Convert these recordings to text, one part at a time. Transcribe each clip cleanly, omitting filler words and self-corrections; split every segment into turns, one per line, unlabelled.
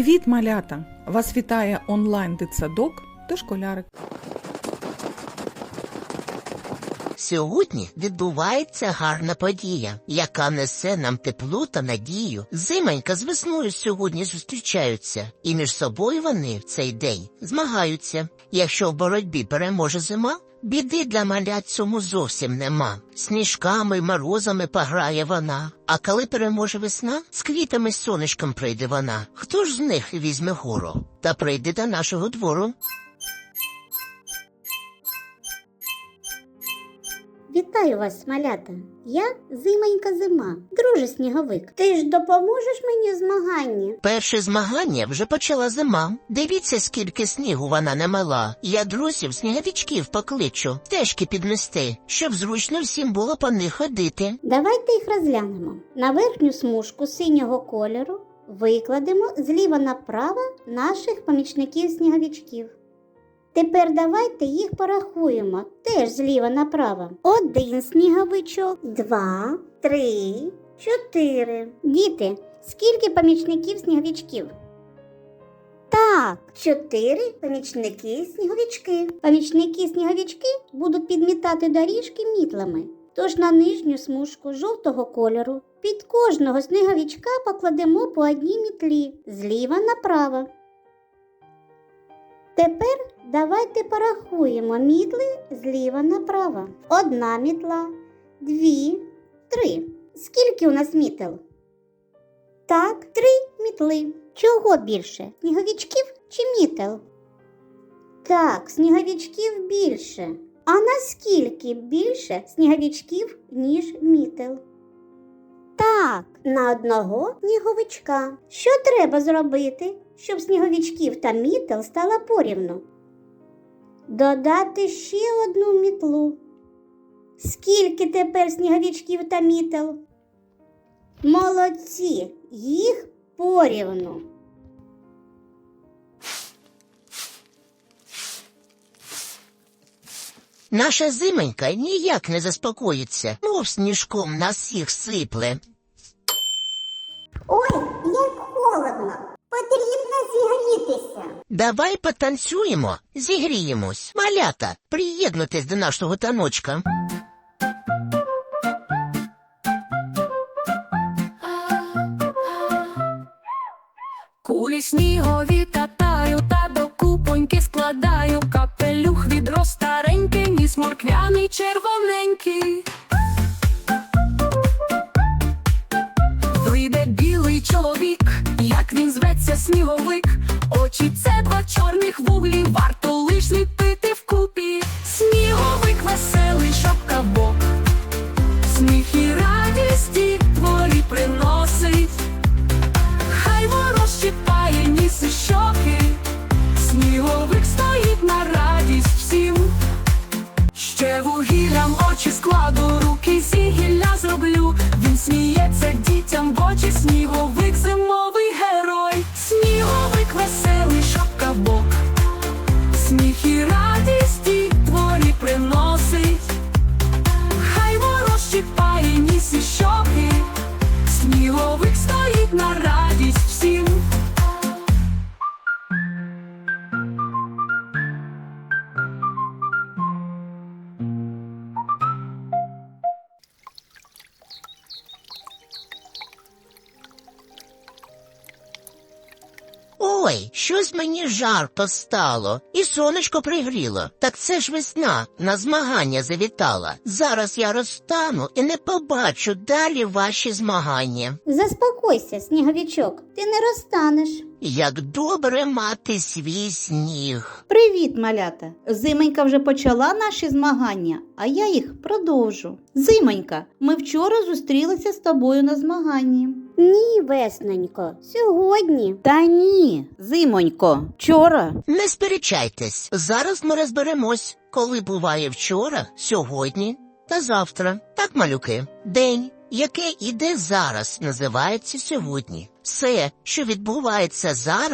Привіт, малята! Вас вітає онлайн-дитсадок «Дошколярик».
Сьогодні відбувається гарна подія, яка несе нам тепло та надію. Зимонька з весною сьогодні зустрічаються, і між собою вони в цей день змагаються. Якщо в боротьбі переможе зима, біди для малят цьому зовсім нема. Сніжками й морозами пограє вона, а коли переможе весна, з квітами й сонечком прийде вона. Хто ж з них візьме гору та прийде до нашого двору?
Вітаю вас, малята! Я Зимонька Зима, друже Сніговик. Ти ж допоможеш мені в змаганні?
Перше змагання вже почала зима. Дивіться, скільки снігу вона намела. Я друзів сніговичків покличу, стежки підмести, щоб зручно всім було по них ходити.
Давайте їх розглянемо. На верхню смужку синього кольору викладемо зліва направо наших помічників-сніговичків. Тепер давайте їх порахуємо, теж зліва направо. 1 сніговичок, 2, 3, 4. Діти, скільки помічників-сніговичків? Так, 4 помічники-сніговички. Помічники-сніговички будуть підмітати доріжки мітлами. Тож на нижню смужку жовтого кольору під кожного сніговичка покладемо по одній мітлі, зліва направо. Тепер давайте порахуємо мітли зліва направо. 1 мітла, 2, 3. Скільки у нас мітел? Так, 3 мітли. Чого більше? Сніговичків чи мітел? Так, сніговичків більше. А наскільки більше сніговичків, ніж мітел? Так, на одного сніговичка. Що треба зробити, щоб сніговичків та мітел стало порівну? Додати ще 1 мітлу. Скільки тепер сніговичків та мітел? Молодці, їх порівну.
Наша Зимонька ніяк не заспокоїться, мов сніжком нас всіх сипле.
Ой, як холодно. Потрібно зігрітися.
Давай потанцюємо, зігріємось. Малята, приєднуйтесь до нашого таночка.
Кулі снігові катаю та до купоньки складаю. Капелюх відро старенький, ніс морквяний червоненький. Вийде білий чоловік, як він зветься сніговик. Очі – це 2 чорних вуглі, варто лиш ліпити вкупі. Сніговик веселий, шапка в бок, сміх і радість дітворі приносить. Хай ворож щипає ніс і щоки, сніговик стоїть на радість всім. Ще вугіллям очі складу, руки зі гілля зроблю. Він сміється дітям в очі, сніговик зимовий герой. Сніговик веселий, шапка в бок, сміх і радість дітворі приносить. Хай ворож щипає ніс і щоки, сніговик стоїть на радість всім.
Ой, щось мені жарко стало, і сонечко пригріло. Так це ж весна, на змагання завітала. Зараз я розтану і не побачу далі ваші змагання.
Заспокойся, сніговичок, ти не розтанеш.
Як добре мати свій сніг.
Привіт, малята! Зимонька вже почала наші змагання, а я їх продовжу. Зимонька, ми вчора зустрілися з тобою на змаганні.
Ні, веснонько, сьогодні.
Та ні, Зимонько, вчора.
Не сперечайтесь, зараз ми розберемось, коли буває вчора, сьогодні та завтра. Так, малюки, день, який іде зараз, називається сьогодні. Все, що відбувається зараз,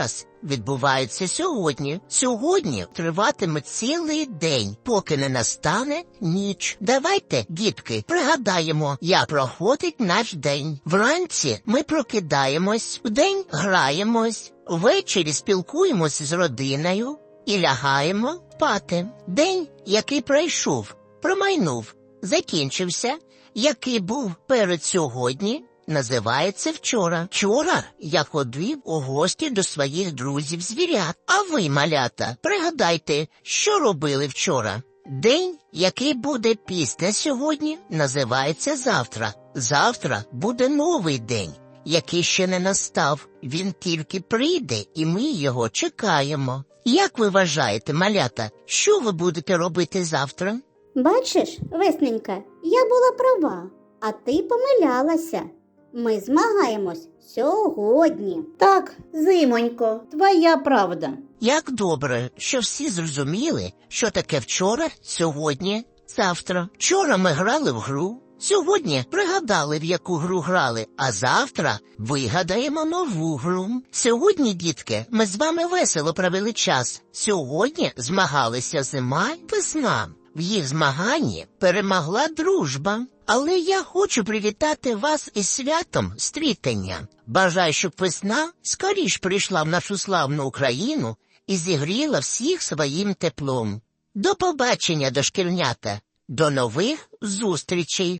відбуваються сьогодні. Сьогодні триватиме цілий день, поки не настане ніч. Давайте, дітки, пригадаємо, як проходить наш день. Вранці ми прокидаємось, вдень граємось, ввечері спілкуємось з родиною і лягаємо спати. День, який пройшов, промайнув, закінчився, який був перед сьогодні, називається вчора. Вчора я ходив у гості до своїх друзів-звірят. А ви, малята, пригадайте, що робили вчора. День, який буде після сьогодні, називається завтра. Завтра буде новий день, який ще не настав. Він тільки прийде, і ми його чекаємо. Як ви вважаєте, малята, що ви будете робити завтра?
Бачиш, Весненька, я була права, а ти помилялася. Ми змагаємось сьогодні.
Так, Зимонько, твоя правда.
Як добре, що всі зрозуміли, що таке вчора, сьогодні, завтра. Вчора ми грали в гру, сьогодні пригадали, в яку гру грали, а завтра вигадаємо нову гру. Сьогодні, дітки, ми з вами весело провели час. Сьогодні змагалися зима й весна. В їх змаганні перемогла дружба. Але я хочу привітати вас із святом стрітення. Бажаю, щоб весна скоріш прийшла в нашу славну Україну і зігріла всіх своїм теплом. До побачення, дошкільнята! До нових зустрічей!